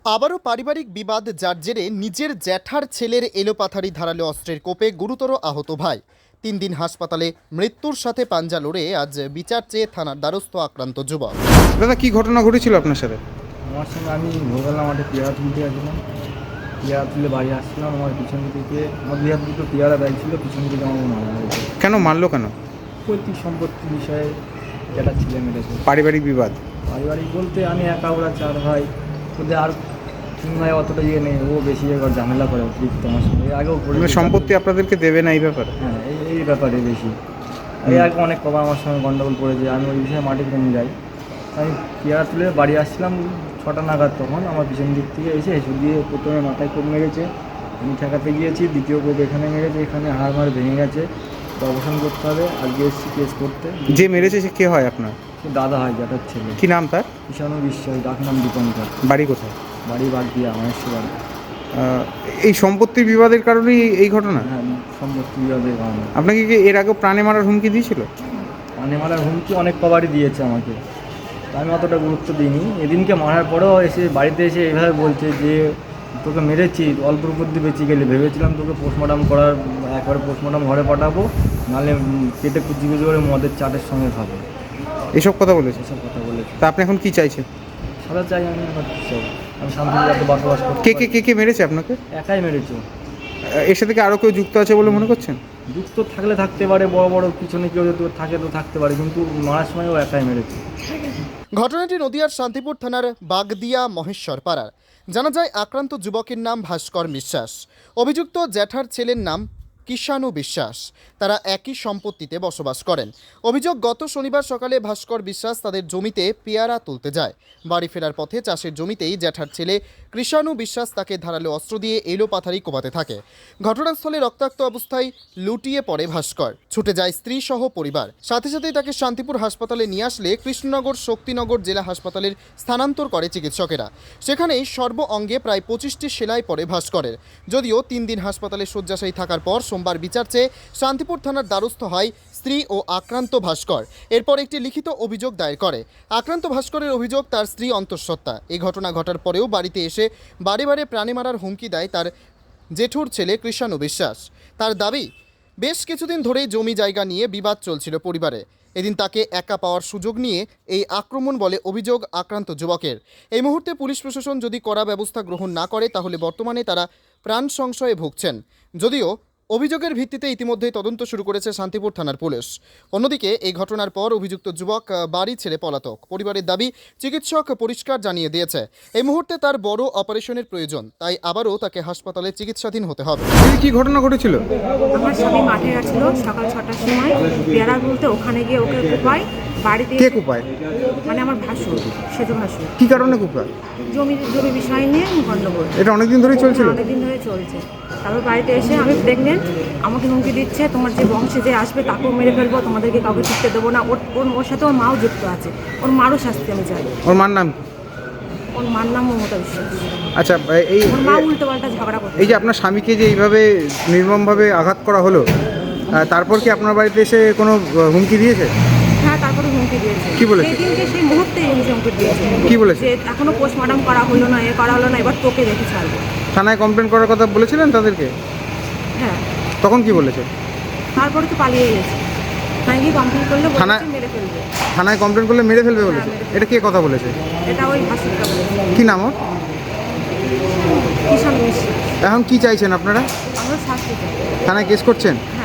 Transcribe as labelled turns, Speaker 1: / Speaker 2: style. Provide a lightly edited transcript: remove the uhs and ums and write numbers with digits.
Speaker 1: আবারও পারিবারিক বিবাদ, যার জেরে নিজের জ্যাঠার ছেলের এলোপাথারি ধারালো অস্ত্রের কোপে গুরুতর আহত ভাই। 3 দিন হাসপাতালে, মৃত্যুর সাথে পাঞ্জা লড়ে আজ বিচার চেয়ে থানার দ্বারস্থ আক্রান্ত যুবক।
Speaker 2: দাদা, কি ঘটনা ঘটেছিল আপনার সাথে?
Speaker 3: আমার সঙ্গে আমি ভোরবেলা মাঠে পেয়ারা তুলতে গেছিলাম। পেয়ারা তুলে বাড়ি আসছিলাম, আমার পিছন থেকে আমার দুই হাত দুটো পেয়ারা ব্যাগ ছিল, পিছন থেকে আমার মারা গেছে।
Speaker 2: কেন মারলো কেন?
Speaker 3: পৈতৃক সম্পত্তির বিষয়ে যেটা ছেলে মেরেছে।
Speaker 2: পারিবারিক বিবাদ?
Speaker 3: পারিবারিক বলতে আমি একা, ওরা 4 ভাই, ওদের আর 3 ভাই অতটা ইয়ে নেই, ও বেশি একবার ঝামেলা করে অতিরিক্ত আমার সঙ্গে। এর আগেও করে
Speaker 2: সম্পত্তি আপনাদেরকে দেবে না এই ব্যাপারে?
Speaker 3: হ্যাঁ, এই ব্যাপারে বেশি। এই আগে অনেক কবার আমার সঙ্গে গন্ডগোল করেছে, আমি ওই বিষয়ে মাঠে কমে যাই। আমি পেয়ারা তুলে বাড়ি আসছিলাম 6টা নাগাদ, তখন আমার পিছন দিক থেকে এসে হেসু দিয়ে প্রথমে মাথায় কোপ মেরেছে, আমি ঠেকাতে গিয়েছি। দ্বিতীয় কোপ এখানে মেরেছে, এখানে হাড় মাড় ভেঙে গেছে, তো অবসান করতে হবে। আজকে এসেছি কেস করতে।
Speaker 2: যে মেরেছে সে কে হয় আপনার?
Speaker 3: সে দাদা হয়, জ্যাঠার ছেলে।
Speaker 2: কি নাম তার?
Speaker 3: ঈশানু বিশ্বাস, ডাক নাম দীপঙ্কর।
Speaker 2: বাড়ি কোথায়?
Speaker 3: বাড়ি বাগদিয়া, মহেশ্বর।
Speaker 2: এই সম্পত্তির বিবাদের কারণেই এই ঘটনা?
Speaker 3: হ্যাঁ, সম্পত্তি বিবাদের কারণে।
Speaker 2: আপনাকে কি এর আগে প্রাণে মারার হুমকি দিয়েছিল?
Speaker 3: মানে মারার হুমকি অনেক কবারই দিয়েছে আমাকে, তা আমি অতটা গুরুত্ব দিইনি। এদিনকে মারার পরেও এসে বাড়িতে এসে এইভাবে বলছে যে তোকে মেরেছি, অল্পর মধ্যে বেঁচে গেলে। ভেবেছিলাম তোকে পোস্টমর্টম করার, একবারে পোস্টমর্টম ঘরে পাঠাবো, নাহলে পেটে কুচি কুচি করে মদের চাটের সঙ্গে খাবো।
Speaker 2: এসব কথা বলেছে?
Speaker 3: এসব কথা বলেছে।
Speaker 2: তা আপনি এখন কি চাইছেন?
Speaker 3: সাদা চাই আমি, আমার সব। আমি শান্তিতে বসবাস করতে
Speaker 2: কে
Speaker 3: পারি।
Speaker 2: কে কে কে মেরেছে আপনাকে?
Speaker 3: একাই মেরেছো?
Speaker 2: এর সাথে কি আরও কেউ যুক্ত আছে বলে মনে করছেন?
Speaker 3: যুক্ত থাকলে থাকতে পারে, বড় বড় পিছনে কেউ যদি থাকে তো থাকতে পারে, কিন্তু মারার সময় ও একাই মেরেছে।
Speaker 1: ঘটনাটি নদিয়ার শান্তিপুর থানার বাগদিয়া মহেশ্বর পাড়ার। জানা যায়, আক্রান্ত যুবকের নাম ভাস্কর বিশ্বাস। অভিযুক্ত জ্যাঠার ছেলের নাম কিষাণু বিশ্বাস। তারা একই সম্পত্তিতে বসবাস করেন। অভিযোগ, গত শনিবার সকালে ভাস্কর বিশ্বাস তাদের জমিতে পেয়ারা তুলতে যায়। বাড়ি ফেরার পথে চাষের জমিতেই জ্যাঠার ছেলে কৃষাণু বিশ্বাস তাকে ধারালো অস্ত্র দিয়ে এলোপাথারি কোপাতে থাকে। ঘটনাস্থলে রক্তাক্ত অবস্থায় লুটিয়ে পড়ে ভাস্কর। ছুটে যায় স্ত্রী সহ পরিবার। সাথে সাথেই তাকে শান্তিপুর হাসপাতালে নিয়ে আসলে কৃষ্ণনগর শক্তিনগর জেলা হাসপাতালের স্থানান্তর করে চিকিৎসকেরা। সেখানেই সর্ব অঙ্গে প্রায় 25টি সেলাই পড়ে ভাস্করের। যদিও 3 দিন হাসপাতালে শয্যাশায়ী থাকার পর সোমবার বিচার চেয়ে শান্তিপুর থানার দ্বারস্থ হয় স্ত্রী ও আক্রান্ত ভাস্কর। এরপর একটি লিখিত অভিযোগ দায়ের করে। আক্রান্ত ভাস্করের অভিযোগ, তার স্ত্রী অন্তঃসত্ত্বা। এই ঘটনা ঘটার পরেও বাড়িতে এসে বারে বারে প্রাণে মারার হুমকি দেয় তার জেঠুর ছেলে কৃষাণু বিশ্বাস। তার দাবি, বেশ কিছুদিন ধরেই জমি জায়গা নিয়ে বিবাদ চলছিল পরিবারে। এদিন তাকে একা পাওয়ার সুযোগ নিয়ে এই আক্রমণ বলে অভিযোগ আক্রান্ত যুবকের। এই মুহূর্তে পুলিশ প্রশাসন যদি কড়া ব্যবস্থা গ্রহণ না করে, তাহলে বর্তমানে তারা প্রাণ সংশয়ে ভুগছেন। যদিও অভিযোগের ভিত্তিতে ইতিমধ্যেই তদন্ত শুরু করেছে শান্তিপুর থানার পুলিশ। অন্যদিকে এই ঘটনার পর অভিযুক্ত যুবক বাড়ি ছেড়ে পলাতক। পরিবারের দাবি, চিকিৎসক পরিষ্কার জানিয়ে দিয়েছে এই মুহূর্তে তার বড় অপারেশনের প্রয়োজন, তাই আবারও তাকে হাসপাতালে চিকিৎসাধীন হতে হবে।
Speaker 2: কি ঘটনা ঘটেছিল?
Speaker 4: আমার স্বামী মাঠে গেছিল সকাল 6টার সময় পেয়ারা তুলতে, ওখানে গিয়ে ওকে কুপায়। বাড়িতে
Speaker 2: কে কুপায়?
Speaker 4: মানে আমার ভাসুর, সেজু ভাসুর।
Speaker 2: কি কারণে কুপায়?
Speaker 4: জমি বিষয় নিয়ে গণ্ডগোল।
Speaker 2: এটা অনেকদিন ধরেই চলছিল?
Speaker 4: অনেকদিন ধরে চলছে। তারপর বাড়িতে এসে, আমি প্রেগনেন্ট, আমাকে হুমকি দিচ্ছে, তোমার যে বংশে যে আসবে তাকেও মেরে ফেলবো, তোমাদেরকে কাউকে টিকতে দেবো না। ওর সাথে ওর মাও যুক্ত আছে, ওর মারও শাস্তি আমি চাই।
Speaker 2: ওর মার নাম?
Speaker 4: ওর মার নাম মমতা বিশ্বাস।
Speaker 2: আচ্ছা, এই
Speaker 4: ওর মা উল্টো পাল্টা ঝগড়া করছে।
Speaker 2: এই যে আপনার স্বামীকে যে এইভাবে নির্মমভাবে আঘাত করা হলো, তারপর কি আপনার বাড়িতে এসে কোনো হুমকি দিয়েছে?
Speaker 4: হ্যাঁ, তারপরে হুমকি দিয়েছে।
Speaker 2: কি বলেছে?
Speaker 4: সেই দিনকে, সেই মুহূর্তে হুমকি দিয়েছে।
Speaker 2: কি বলেছে?
Speaker 4: যে এখনো পোস্টমর্টম করা হলো না, করা হলো না, এবার তোকে দেখে ছাড়বো।
Speaker 2: থানায় কমপ্লেন করার কথা বলেছিলেন তাদেরকে?
Speaker 4: হ্যাঁ।
Speaker 2: তখন কি বলেছে?
Speaker 4: তারপরে তো পালিয়ে গেছে। থানায় গিয়ে কমপ্লেন করলে
Speaker 2: থানায়-
Speaker 4: মেরে ফেলবে।
Speaker 2: থানায় কমপ্লেন করলে মেরে ফেলবে বলেছে?
Speaker 4: মেরে ফেলবে।
Speaker 2: এটা কে কথা বলেছে?
Speaker 4: এটা ওই ভাসুরটা বলেছে।
Speaker 2: কি নাম ওর?
Speaker 4: কিষাণ বিশ্বাস।
Speaker 2: এখন কি চাইছেন আপনারা?
Speaker 4: আমরা শাস্তি চাই।
Speaker 2: থানায় কেস করছেন?